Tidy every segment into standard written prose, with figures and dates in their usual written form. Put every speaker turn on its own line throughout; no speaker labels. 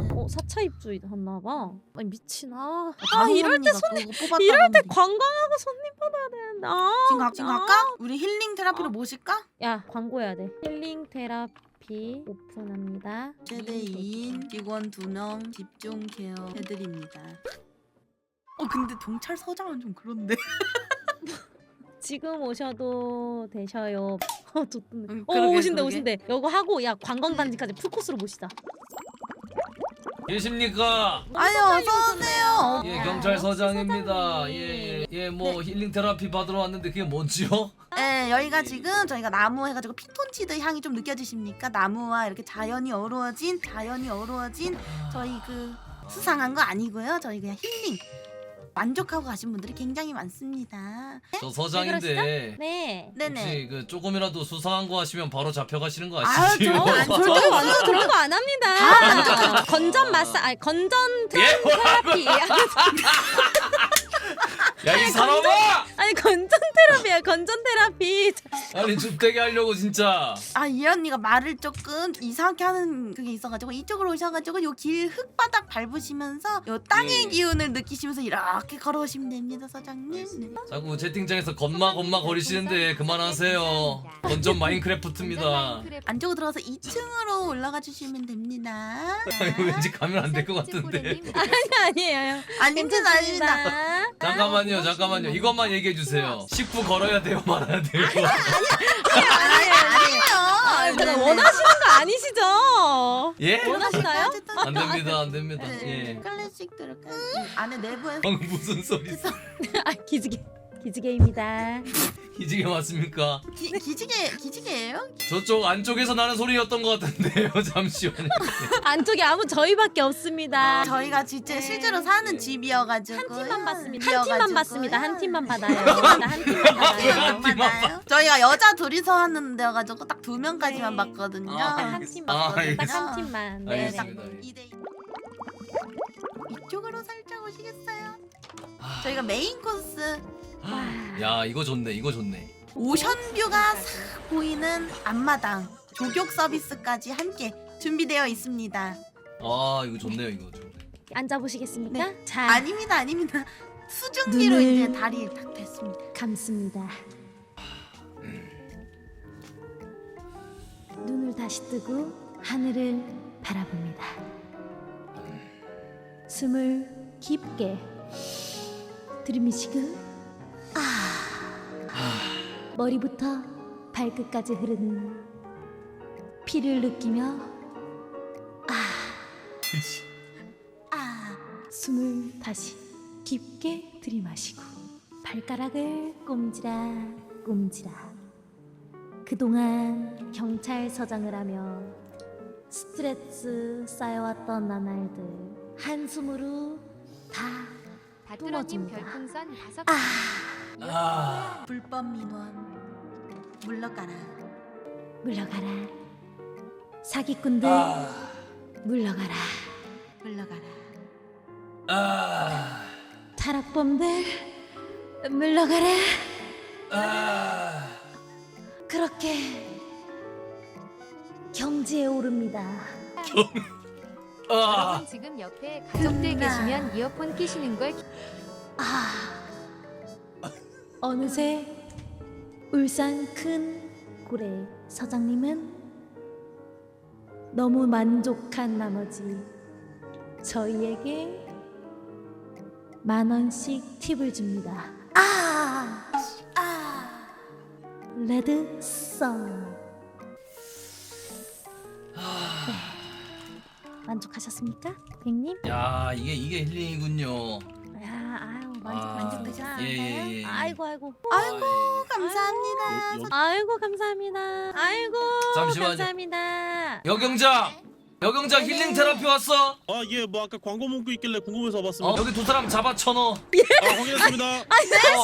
4차 입주했나봐. 아니 미친.
이럴 때
관광하고 손님 받아야 되는데.
지금 갈까? 우리 힐링 테라피로 모실까?
야 광고해야 돼. 힐링 테라피 오픈합니다.
최대 2인 직원 2명 집중 케어 해드립니다. 근데 경찰서장은 좀 그런데.
지금 오셔도 되셔요. 좋던데.
그러게,
오신대
그러게.
오신대. 이거 하고 야 관광단지까지 풀코스로 모시자.
계십니까?
아유 어서오세요.
예, 경찰서장입니다. 뭐 힐링 테라피 받으러 왔는데 그게 뭔지요?
네, 여기가 지금 저희가 나무 해가지고 피톤치드 향이 좀 느껴지십니까? 나무와 이렇게 자연이 어우러진 저희 그 수상한 거 아니고요. 저희 그냥 힐링 만족하고 가신 분들이 굉장히 많습니다.
저 서장인데
네.
네네.
혹시 그 조금이라도 수상한 거 하시면 바로 잡혀가시는 거
아유,
아시죠?
절대
완전 그런 거 안 합니다. 건전 건전 테라피.
야 이 사람아!
아니 건전 테라피야. 건전 테라피.
아니 줍대게 하려고 진짜.
이 언니가 말을 조금 이상하게 하는 그게 있어가지고 이쪽으로 오셔가지고 요 길 흙바닥 밟으시면서 요 땅의 기운을 느끼시면서 이렇게 걸어오시면 됩니다, 서장님. 네.
자꾸 채팅창에서 겁마 거리시는데 그만하세요. 건전 마인크래프트입니다.
안쪽으로 들어가서 2층으로 올라가 주시면 됩니다.
이거 왠지 가면 안 될 것 같은데.
아니에요.
아닙니다.
잠깐만요. 이것만 얘기해 주세요. 식구 걸어야 돼요, 말아야 돼요.
아니에요.
원하시는 거 아니시죠?
예?
원하시나요?
안 됩니다. 예.
클래식 들을까요? 안에 내부에
방금 무슨 소리?
기지개입니다.
기지개 맞습니까?
기지개예요?
저쪽 안쪽에서 나는 소리였던 것 같은데요. 잠시만요.
안쪽에 저희밖에 없습니다.
저희가 진짜 실제로 사는 집이어가지고
한 팀만 받습니다. 한 팀만 받아요. 한 팀만 받아요.
받아요. 저희가 여자 둘이서 하는 데여가지고 딱 2명까지만 받거든요.
한 팀 받거든요. 딱 한 팀만. 네.
알겠습니다.
2대2. 이쪽으로 살짝 오시겠어요? 저희가 메인 코스
야 이거 좋네.
오션뷰가 싹 보이는 앞마당 조격 서비스까지 함께 준비되어 있습니다.
이거 좋네요.
앉아보시겠습니까?
네.
자,
아닙니다. 수증기로
눈을
이제 다리 딱 됐습니다.
감습니다. 눈을 다시 뜨고 하늘을 바라봅니다. 숨을 깊게 들이마시고 머리부터 발끝까지 흐르는 피를 느끼며 숨을 다시 깊게 들이마시고 발가락을 꼼지락 그동안 경찰서장을 하며 스트레스 쌓여왔던 나날들 한숨으로 다
다뚜러님
뿜어줍니다.
별풍선 5개.
불법 민원 물러가라.
사기꾼들 물러가라. 타락범들 물러가라. 그렇게 경지에 오릅니다.
여러분 지금 옆에 가족들 계시면 이어폰 끼시는 걸
어느새 울산 큰 고래 서장님은 너무 만족한 나머지 저희에게 10,000원씩 팁을 줍니다. 레드썬. 네. 만족하셨습니까, 백님?
야 이게 힐링이군요.
만족하셨어요.
예.
아이고.
감사합니다.
아이고 감사합니다.
잠시만요.
감사합니다.
여경장 힐링 테라피 왔어?
예, 뭐 아까 광고 문구 있길래 궁금해서 와봤습니다.
여기 두 사람 잡아 쳐넣어.
확인했습니다.
아니 왜요?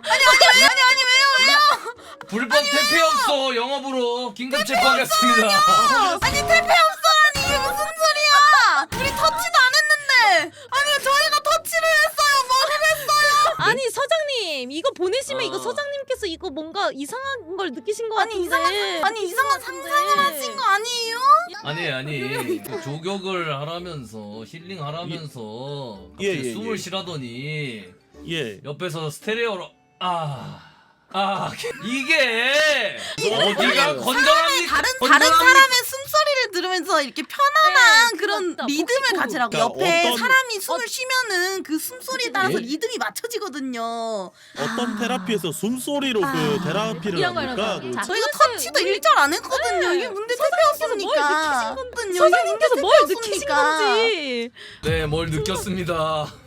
불법 퇴폐 없어. 영업으로 긴급 체포하겠습니다.
아니 퇴폐 없어라니 이게 무슨 소리야? 우리 터치도 안 했는데. 아니 저희가 터치를 했어요. 뭐를 했어요?
아니 서장님 이거 보내시면 이거 서장님께서 이거 뭔가 이상한 걸 느끼신 것 같은데.
이상한 상상을 하신 거 아니에요?
아니 그 조격을 하라면서 힐링 하라면서 갑자기
예,
숨을
예.
쉬라더니
예.
옆에서 스테레오로 이게 어디가 건전합니까?
다른 사람의 숨소리를 들으면서 이렇게 편안한
네,
그런
맞다.
리듬을
복식호흡.
가지라고.
그러니까
옆에
어떤-
사람이 숨을 쉬면은 그 숨소리에 따라서
예?
리듬이 맞춰지거든요.
어떤 테라피에서 숨소리로 그 테라피를
이런 거,
합니까?
이런 거. 자,
저희가
그래서
터치도
우리-
일절 안 했거든요. 이게 문제
뭘
택배였으니까.
느끼신 건지 뭘 느끼신 건지.
네, 뭘 느꼈습니다.